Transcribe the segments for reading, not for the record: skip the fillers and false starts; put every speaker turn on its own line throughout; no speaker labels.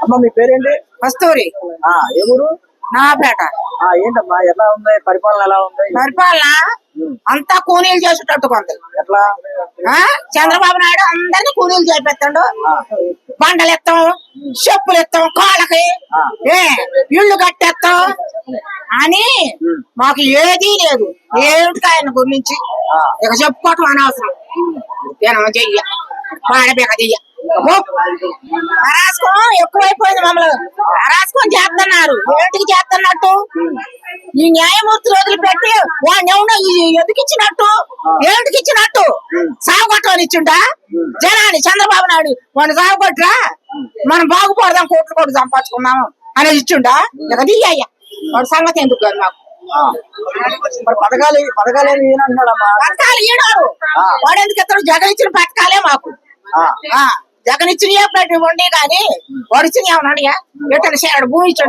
అమ్మ మీ పేరేంటి?
కస్తూరి.
ఏ ఊరు?
నాపేట.
ఏంటమ్మా ఎలా ఉంది పరిపాలన? ఎలా ఉంది
పరిపాలన? అంతా కూలీలు చేసేటట్టు కొంత.
ఎట్లా?
చంద్రబాబు నాయుడు అందరినీ కూలీలు చేపెత్తాడు. బండలు ఎత్తాం, చెప్పులు ఎత్తాం, కాళ్ళకి ఇళ్ళు కట్టేస్తాం అని మాకు ఏదీ లేదు. ఏమిటి ఆయన గురించి ఇక చెప్పుకోవటం అనవసరం. చెయ్య పాడబేక చెయ్య అరాజకం ఎక్కువైపోయింది. మమ్మల్ని అరాజకం చేస్తున్నారు. ఏంటికి చేస్తున్నట్టు? ఈ న్యాయమూర్తి రోజులు పెట్టి వాడిని ఏమన్నా ఎదికిచ్చినట్టు ఏమిటికి ఇచ్చినట్టు? సాగుకొట్టని ఇచ్చిండా జనాన్ని? చంద్రబాబు నాయుడు వాడిని సాగుకొట్టరా మనం బాగుపడదాం, కోట్లు కోట్లు సంపాదించుకున్నాము అనేది ఇచ్చిండా? ఇక దియ్యయ్యా వాడి సంగతి ఎందుకు కాదు మాకు.
పథకాలు ఈయనంటున్నాడమ్మా.
పథకాలు ఈడాడు వాడు ఎందుకు ఇస్తాడు? జగన్ ఇచ్చిన పథకాలే మాకు. జగన్ ఇచ్చినయే ప్రతి ఉండే కానీ వాడు ఇచ్చిన ఏమన్నాడు? ఎట్లా చేయడు? భూమి ఇచ్చాడు.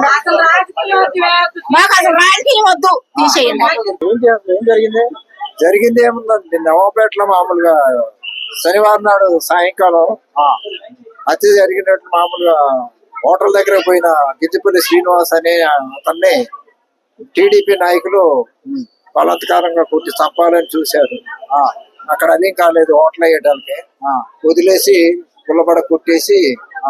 మాకు అసలు రాజకీయం వద్దు, తీసేయండి.
ఏం జరిగింది?
జరిగింది ఏముందండి, నవాపేటలో మామూలుగా శనివారం నాడు సాయంకాలం హత్య జరిగినట్టు మామూలుగా హోటల్ దగ్గర పోయిన గిద్దిపల్లి శ్రీనివాస్ అనే అతన్ని టీడీపీ నాయకులు బలాత్కారంగా కొట్టి చంపాలని చూశారు. అక్కడ అదేం కాలేదు, హోటల్ వేయడానికి వదిలేసి పుల్లబడ కొట్టేసి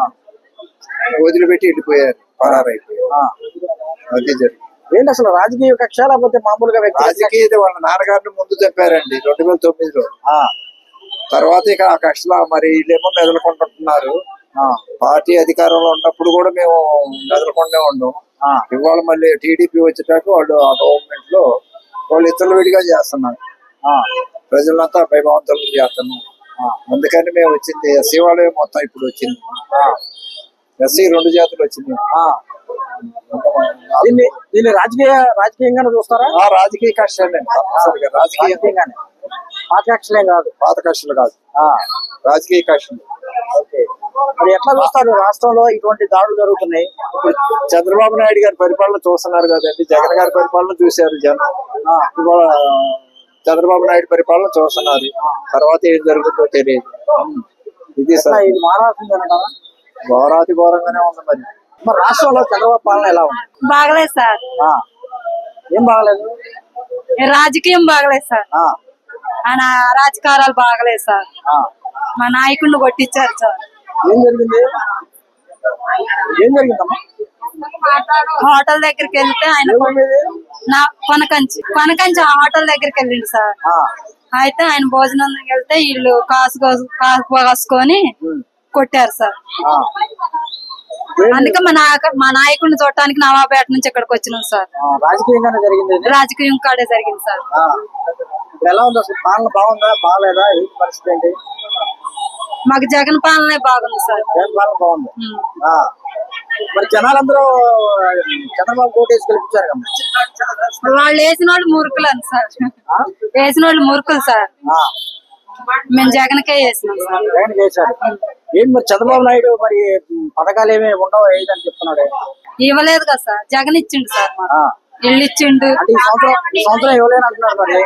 వదిలిపెట్టి వెళ్ళిపోయారు, పరారైపోయారు. అదే జరిగింది.
ఏంటి అసలు రాజకీయ కక్ష లేకపోతే మామూలుగా
రాజకీయ వాళ్ళ నాన్నగారిని ముందు చెప్పారండి 2009లో. తర్వాత ఇక ఆ కక్షలా మరి వీళ్ళేమో మెదలుకుంటున్నారు. పార్టీ అధికారంలో ఉన్నప్పుడు కూడా మేము మెదలకుండా ఉండం. ఇవాళ మళ్ళీ టీడీపీ వచ్చేటాక వాళ్ళు ఆ గవర్నమెంట్ లో వాళ్ళు ఇతరులు విడిగా చేస్తున్నారు. ప్రజలంతా భయభవంతులు చేస్తున్నాం. అందుకని మేము వచ్చింది ఎస్సీ వాళ్ళే మొత్తం ఇప్పుడు వచ్చింది. ఎస్సీ 2 జాతులు వచ్చింది.
దీన్ని రాజకీయంగానే చూస్తారా?
రాజకీయ కష్టాలే తప్పనిసరిగా, రాజకీయంగానే.
పాత కక్షలేం కాదు.
పాత కష్టాలు కాదు, రాజకీయ కష్టాలు.
మరి ఎట్లా చూస్తారు? రాష్ట్రంలో ఇటువంటి దాడులు జరుగుతున్నాయి.
ఇప్పుడు చంద్రబాబు నాయుడు గారి పరిపాలన చూస్తున్నారు కదండి, జగన్ గారి పరిపాలన చూశారు జనం. ఇవాళ చంద్రబాబు నాయుడు పరిపాలన చూస్తున్నారు. తర్వాత ఏం జరుగుతుందో తెలియదు. ఇది
ఇది మారాల్సిందేనా?
ఘోరాతి ఘోరంగానే ఉంది.
మరి రాష్ట్రంలో చంద్రబాబు పాలన ఎలా ఉంది?
బాగలేదు సార్.
ఏం బాగలేదు?
రాజకీయం బాగలేదు సార్. ఆయన రాజకారాలు బాగలేదు సార్. మా నాయకుడిని కొట్టించారు సార్.
ఏం జరిగింది? జరిగిందమ్మా?
హోటల్ దగ్గరికి వెళ్తే ఆయన కొనకంచి ఆ హోటల్ దగ్గరికి వెళ్ళిండు సార్. అయితే ఆయన భోజనం వెళ్తే వీళ్ళు కాసుకొని కొట్టారు సార్. అందుకే మా నాయకుడిని చూడటానికి నవాపేట నుంచి ఇక్కడికి వచ్చినాం సార్.
రాజకీయంగానే జరిగింది.
రాజకీయం కాడే జరిగింది సార్.
ఎలా ఉంది అసలు? పాలన బాగుందా బాగాలేదా? ఏంటి పరిస్థితి ఏంటి?
మాకు జగన్ పాలనే బాగుంది సార్.
జగన్ పాలన బాగుంది. మరి జనాలందరూ చంద్రబాబు కోటేసి గెలిపించారు కదా.
వాళ్ళు వేసిన వాళ్ళు మురుకులు అని సార్. వేసిన వాళ్ళు మురుకులు సార్. మేము జగన్కే వేసినాం సార్.
జగన్ వేశారు. ఏంటి మరి చంద్రబాబు నాయుడు మరి పథకాలు ఏమి ఉండవు ఏదని చెప్తున్నాడు?
ఇవ్వలేదు కదా సార్. జగన్ ఇచ్చిండు సార్. ఇల్లు ఇచ్చిండు.
ఈ సంవత్సరం ఇవ్వలేని అంటున్నారు మరి.